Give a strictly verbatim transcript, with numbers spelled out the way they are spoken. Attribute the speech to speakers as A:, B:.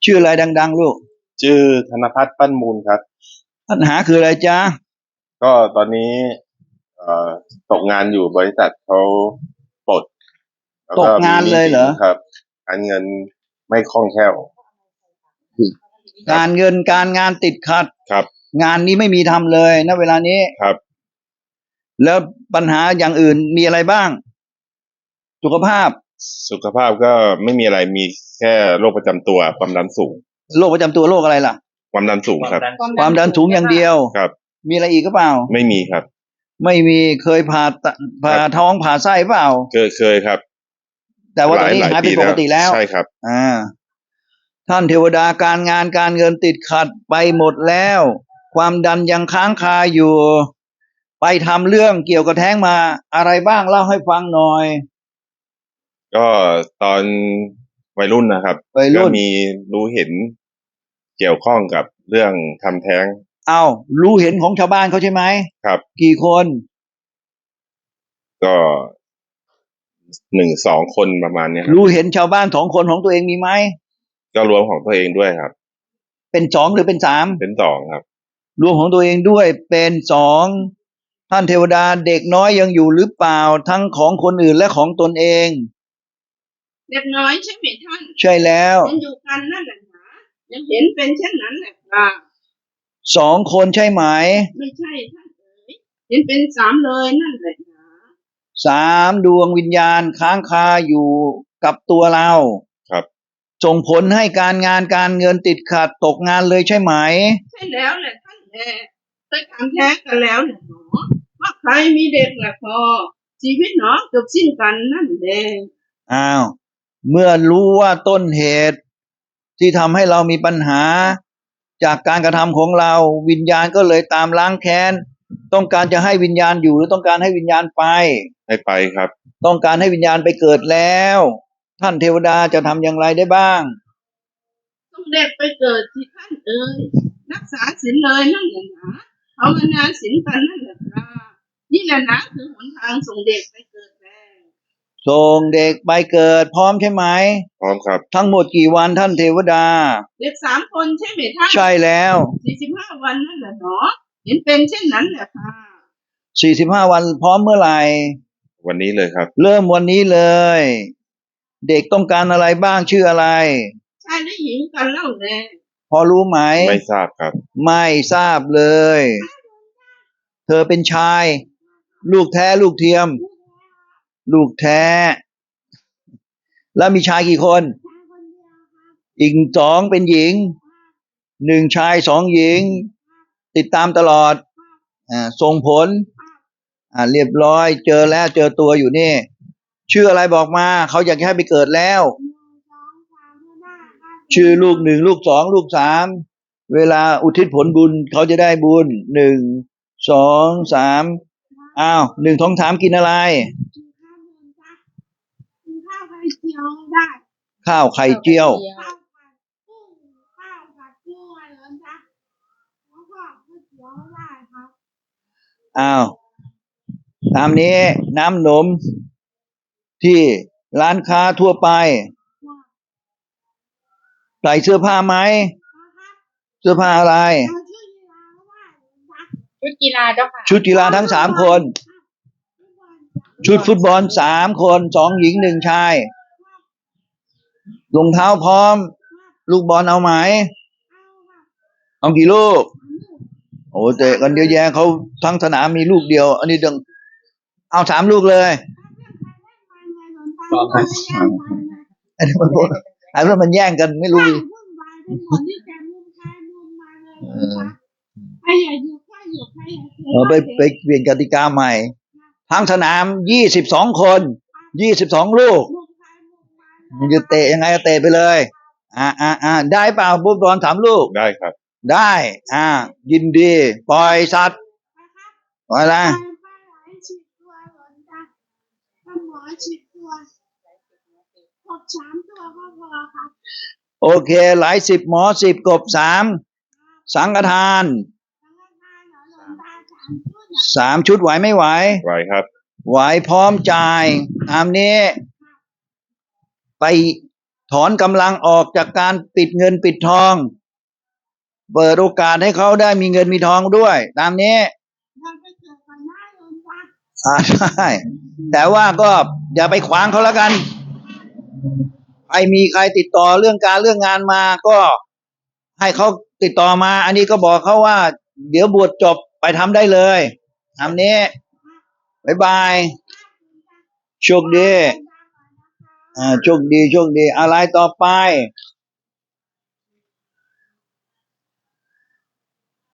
A: ชื่ออะไรดังๆลูก
B: ชื่อธนภัทรปั้นมูลครับ
A: ปัญหาคืออะไรจ๊ะ
B: ก็ตอนนี้เอ่อตกงานอยู่บริษัทเขาปลดแล้ว
A: ต
B: ก็
A: กงานเลยเหรอ
B: ครับการเงินไม่คล่องแคล่ว
A: การเงินการงานติดขัด
B: ครับ
A: งานนี้ไม่มีทำเลยณเวลานี้
B: ครับ
A: แล้วปัญหาอย่างอื่นมีอะไรบ้างสุขภาพ
B: สุขภาพก็ไม่มีอะไรมีแค่โรคประจำตัวความดันสูง
A: โรคประจำตัวโรคอะไรล่ะ
B: ความดันสูงครับ
A: ความดันสูงอย่างเดียว
B: ครับ
A: มีอะไรอีกก็เปล่า
B: ไม่มีครับ
A: ไม่มีเคยผ่าตผ่าท้องผ่าไส้เปล่า
B: เคยเคยครับ
A: แต่ว่าตอนนี้หายเป็นปกติแล้ว
B: ใช่ครับ
A: อ่าท่านเทวดาการงานการเงินติดขัดไปหมดแล้วความดันยังค้างคาอยู่ไปทำเรื่องเกี่ยวกับแท้งมาอะไรบ้างเล่าให้ฟังหน่อย
B: ก็ตอนวัยรุ่นนะครับ
A: วัยรุ่น
B: ก็มีรู้เห็นเกี่ยวข้องกับเรื่องทำแท้ง
A: เอารู้เห็นของชาวบ้านเขาใช่ไหม
B: ครับ
A: กี่คน
B: ก็หนึ่งสองคนประมาณนี้ครับ
A: รู้เห็นชาวบ้านสองคนของตัวเองมีไหม
B: ก็รวมของตัวเองด้วยครับ
A: เป็นสองหรือเป็นสาม
B: เป็นสองครับ
A: รวมของตัวเองด้วยเป็นสองท่านเทวดาเด็กน้อยยังอยู่หรือเปล่าทั้งของคนอื่นและของตนเอง
C: เด็กน้อยใช่ไหมท่าน
A: ใช่แล้ว
C: ยังอยู่กันนั่นแหละนะยังเห็นเป็นเช่นนั้นแหละครับ
A: สองคนใช่ไหม
C: ไม่ใช่ท่านเอ๋ยเห็นเป็นสามเลยนั่นแหละนะ
A: สามดวงวิญญาณค้างคาอยู่กับตัวเรา
B: ครับ
A: ส่งผลให้การงานการเงินติดขัดตกงานเลยใช่ไหม
C: ใช่แล้วแหละท่านแม่เคยถามแท้กันแล้วแหละหนอว่าใครมีเด็กแหละพอชีวิตหนอจบสิ้นกันนั่นแหละ
A: อ้าวเมื่อรู้ว่าต้นเหตุที่ทำให้เรามีปัญหาจากการกระทำของเราวิญญาณก็เลยตามล้างแค้นต้องการจะให้วิญญาณอยู่หรือต้องการให้วิญญาณไป
B: ให้ไปครับ
A: ต้องการให้วิญญาณไปเกิดแล้วท่านเทวดาจะทำอย่างไรได้บ้าง
C: ต้องเด็กไปเกิดที่ท่านเอ๋ยรักษาศีลเลยนั่นแหละนะภาวนาศีลกันนั่นแหละครับนี่แหละนะคือหนทางส่งเด็กไปเกิด
A: ส่งเด็กไปเกิดพร้อมใช่ไหม
B: พร้อมครับ
A: ทั้งหมดกี่วันท่านเทวดา
C: เด็กสามคนใช่ไหมท่าน
A: ใช่แล้ว
C: สี่สิบห้าวันนั่นแหละเนาะเห็นเป็นเช่นนั้นแหละค่ะ
A: สี่สิบห้าวันพร้อมเมื่อไหร่
B: วันนี้เลยครับ
A: เริ่มวันนี้เลยเด็กต้องการอะไรบ้างชื่ออะไร
C: ชายและหญิงกันเล่าแน่
A: พอรู้ไหม
B: ไม่ทราบครับ
A: ไม่ทราบเลยเธอเป็นชายลูกแท้ลูกเทียมลูกแท้แล้วมีชายกี่คนอีกสองเป็นหญิงหนึ่งชายสองหญิงติดตามตลอดอ่าส่งผลอ่าเรียบร้อยเจอแล้วเจอตัวอยู่นี่ชื่ออะไรบอกมาเขาอยากให้ไปเกิดแล้วชื่อลูกหนึ่งลูกสองลูกสามเวลาอุทิศผลบุญเขาจะได้บุญหนึ่งสองสามอ้าวหนึ่งท้องถามกินอะไร
C: ข้าวไข่เจียวได้
A: ข้าวไข่เจียว
C: ข้าวผัดกุ้งข้าวผัดกุ้งอะไรนะแล้วก็ก๋วยเตี๋ยวได้ครับ
A: อ้าวตามนี้น้ำนมที่ร้านค้าทั่วไปใส่เสื้อผ้าไหมเสื้อผ้าอะไร
C: ชุดกีฬาเจ้าค่ะ
A: ชุดกีฬาทั้งสามคนชุดฟุตบอลสามคนสองหญิงหนึ่งชายรองเท้าพร้อมลูกบอลเอาไหมเอากี่ลูกโอ้เตะกันเยอะแยะเขาทั้งสนามมีลูกเดียวอันนี้ดึงเอาสามลูกเลยอันนี้มันอันนี้มันแย่งกันไม่รู้เออไปไปเปลี่ยนกติกาใหม่ทั้งสนามยี่สิบสองคนยี่สิบสองลูกมันจะเตะยังไงก็เตะไปเลยอ่าอ่าอ่าได้เปล่าปุ๊บบอลสามลูก
B: ได้ครับ
A: ได้อ่ายินดีปล่อยสัตว์ปล่อยละโอเคหลายสิบหมอสิบกบสามสังฆทานสามชุดไหวไม่ไหว
B: ไหวครับ
A: ไหวพร้อมจ่ายตามนี้ไปถถอนกำลังออกจากการปิดเงินปิดทอง เปิดโอกาสให้เขาได้มีเงินมีทองด้วย ตามนี้
C: เราไปเกิดก่อนหน้าโยมจ้า
A: อ่าใช่แต่ว่าก็อย่าไปขวางเขาแล้วกันใครมีใครติดต่อเรื่องการเรื่องงานมาก็ให้เขาติดต่อมา อันนี้ก็บอกเขาว่า เดี๋ยวบวชจบไปทำได้เลยทำนี้บ๊ายบายโชคดีอ่าโชคดีโชคดีอะไรต่อไป